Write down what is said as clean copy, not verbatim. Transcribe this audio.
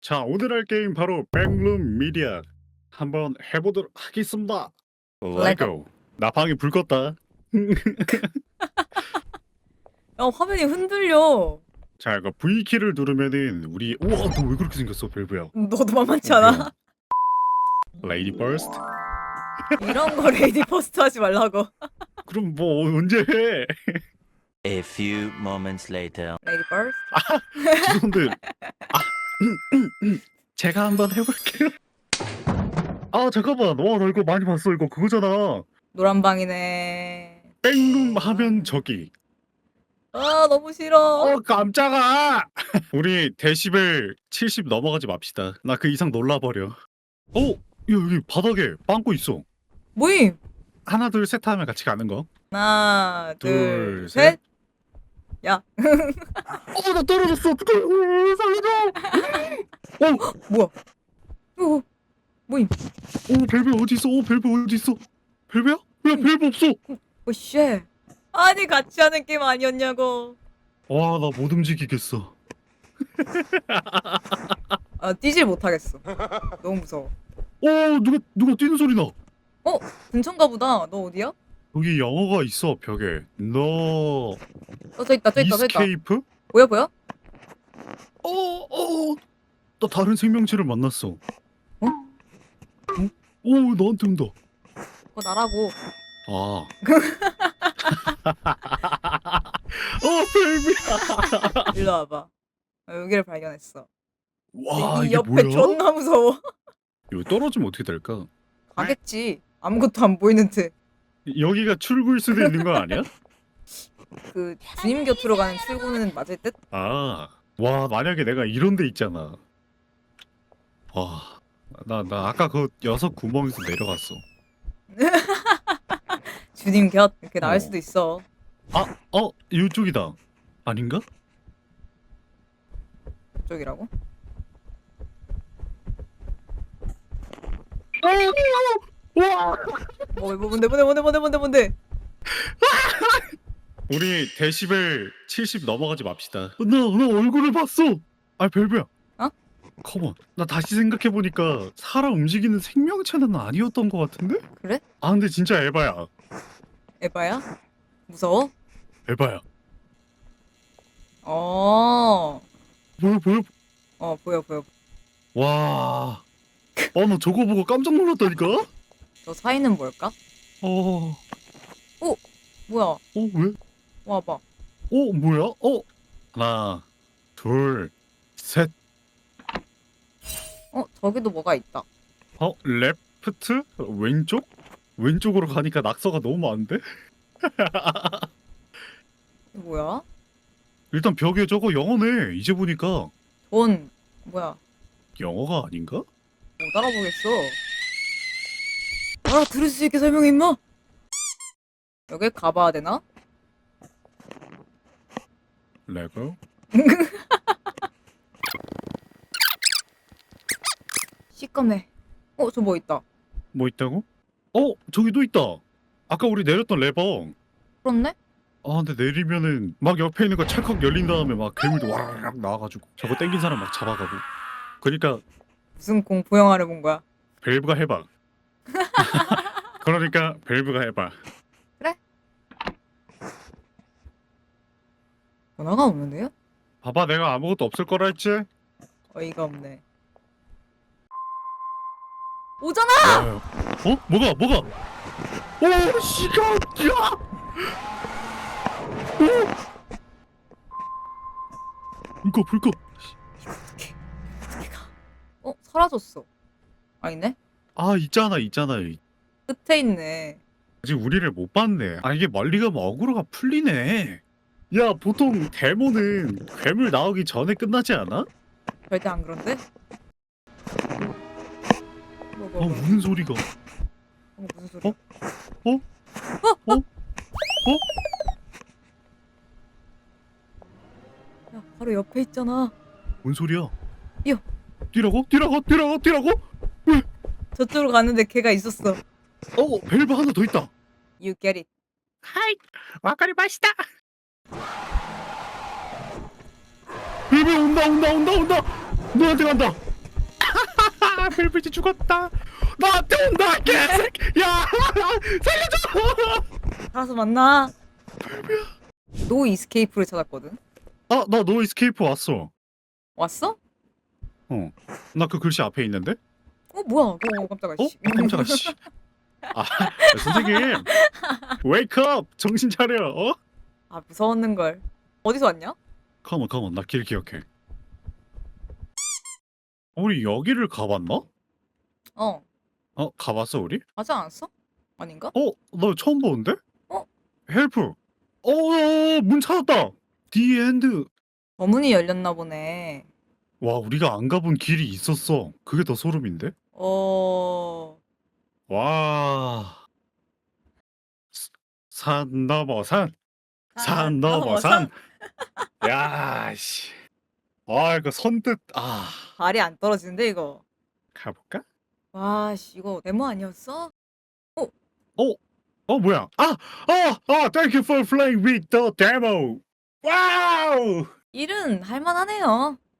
자, 오늘 할 게임 바로 백룸 미디어 한번 해보도록 하겠습니다. 레고. 나 방에 불 껐다. 야, 화면이 흔들려. 자, 이거 V키를 누르면은 우리 우와, 너 왜 그렇게 생겼어, 벨브야? 너도 만만치 않아? 레이디 버스트? 이런 거 레이디 퍼스트 하지 말라고. 그럼 뭐 언제 해? A few moments later. 레이디 퍼스트? 죄송한데 제가 한번 해볼게요. 아 잠깐만, 와 나 이거 많이 봤어. 이거 그거잖아. 노란 방이네. 백룸 하면 저기. 아, 너무 싫어. 깜짝아. 우리 데시벨 70 넘어가지 맙시다. 나 그 이상 놀라버려. 여기 바닥에 빵꾸 있어. 모임. 하나 둘 셋 하면 같이 가는 거. 하나, 둘, 둘, 셋. 야, 나 떨어졌어. 어떡해. 살려줘. 뭐야? 오, 모임. 벨벳 어디 있어? 벨벳 어디 있어? 벨벳야? 왜 벨벳 없어? 오, 쉣. 아니, 같이 하는 게임 아니었냐고. 와, 나 못 움직이겠어. 아, 뛰질 못하겠어. 너무 무서워. 누가 뛰는 소리 나. 근처인가 보다. 너 어디야? 여기 영어가 있어, 벽에. 너 저 있다, 저 있다, 저 있다. 이스케이프? 뭐야, 뭐야? 나 다른 생명체를 만났어. 나한테 온다. 그거 나라고. 아. 벨벳. 일로 와봐. 여기를 발견했어. 와, 이 이게 옆에 뭐야? 존나 무서워. 이거 떨어지면 어떻게 될까? 가겠지. 아무것도 안 보이는 듯. 여기가 출구일 수도 있는 거 아니야? 그 주님 곁으로 가는 출구는 맞을 듯? 아. 와, 만약에 내가 이런 데 있잖아. 와. 나 아까 그 여섯 구멍에서 내려갔어. 주님 곁 이렇게 나올 어. 수도 있어. 이쪽이다. 아닌가? 그쪽이라고? 와! 뭔데? 우리 데시벨 70 넘어가지 맙시다. 나 얼굴을 봤어. 벨브야. 어? 컴온. 나 다시 생각해보니까 사람 움직이는 생명체는 아니었던 것 같은데? 그래? 근데 진짜 에바야. 에바야? 무서워? 에바야. 어. 보여? 보여. 와. 나 저거 보고 깜짝 놀랐다니까? 저 사이는 뭘까? 뭐야? 왜? 와봐. 뭐야? 하나, 둘, 셋. 저기도 뭐가 있다. 레프트? 왼쪽? 왼쪽으로 가니까 낙서가 너무 많은데? 이거 뭐야? 일단 벽에 저거 영어네. 이제 보니까 돈 뭐야? 영어가 아닌가? 못 알아보겠어. 알아들을 수 있게 설명해 임마. 여길 가봐야 되나? 레고? 시꺼매. 저 뭐 있다. 뭐 있다고? 저기도 있다. 아까 우리 내렸던 레버. 그렇네? 근데 내리면은 막 옆에 있는 거 찰컥 열린 다음에 막 괴물도 와라락 나와가지고 저거 땡긴 사람 막 잡아가고. 그러니까 무슨 공포 영화를 본 거야? 밸브가 해봐. 그러니까 밸브가 해봐. 전화가 없는데요? 봐봐, 내가 아무것도 없을 거라 했지? 어이가 없네. 오잖아! 뭐가? 시간이야! 불 꺼. 어떻게 가? 사라졌어. 아니네? 있잖아. 끝에 있네. 아직 우리를 못 봤네. 이게 멀리 가면 어그로가 풀리네. 야, 보통 데모는 괴물 나오기 전에 끝나지 않아? 절대 안 그런데? 뭐. 무슨 소리가? 무슨 소리야? 야, 바로 옆에 있잖아. 뭔 소리야? 뛰어. 뛰라고? 저쪽으로 갔는데 걔가 있었어. 밸브 하나 더 있다. You get it. 하이, 와카리마시다. 밸브 온다. 너한테 간다. 벨벳이 죽었다. 나한테 온다 개새끼. 야 살려줘. 알아서 만나. 노 이스케이프를 찾았거든. 나 너 이스케이프 왔어. 왔어? 나 그 글씨 앞에 있는데? 뭐야? 깜짝아. 씨. 깜짝아 씨. 선생님. 웨이크업. 정신 차려. 무서웠는 걸. 어디서 왔냐? 컴온. 나 길 기억해. 우리 여기를 가봤나? 가봤어 우리? 가지 않았어? 아닌가? 나 처음 보는데? 어? 헬프. 문 찾았다. 디 엔드. 저문이 열렸나 보네. 와, 우리가 안 가본 길이 있었어. 그게 더 소름인데? 와. 산 넘어 산. 산 넘어 산. 야, 씨. 이거 선뜻 발이 안 떨어지는데 이거. 가볼까? 와, 씨, 이거 데모 아니었어? 뭐야? Thank you for playing with the demo. 와우! 일은 할만하네요.